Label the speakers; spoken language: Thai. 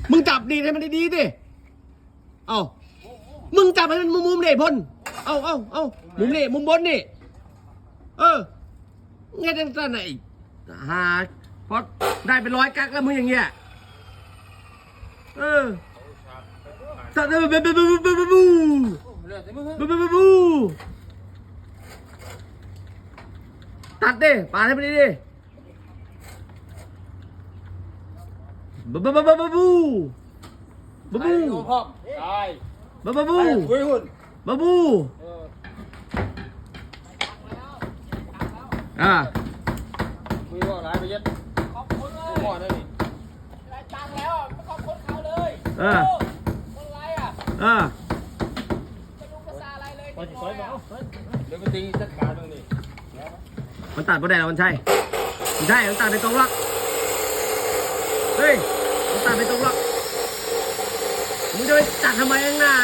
Speaker 1: มึงจับดีให้มันดีๆดิเอามึงจับให้มันมุมๆดิพลเอามุมนี่มุมบนนี่ไงจังสันไหนหาพอได้เป็น100 กักแล้วมึงอย่างเงี้ยสัตว์บูตัดดิปาดให้มันดิบูบู
Speaker 2: พ่อได้
Speaker 1: บู
Speaker 2: คุยหุ่น
Speaker 1: บู
Speaker 2: คุยว่าร้ายไปยัดขอบคุณเลยพ่อได้ดิได้ตังแล้วไม่ขอบคุณเขาเลยคนไรไม่รู้ภาษาอะไรเลยพอจะซอยเอาเดี๋ยวก็ตีจัดการตรงนี้
Speaker 1: มันตัดประเด็นมันใช่มันตัดไปตรงหรอกเฮ้ยมันตัดไปตรงหรอกมึงจะไปตัดทำไมข้างหน้า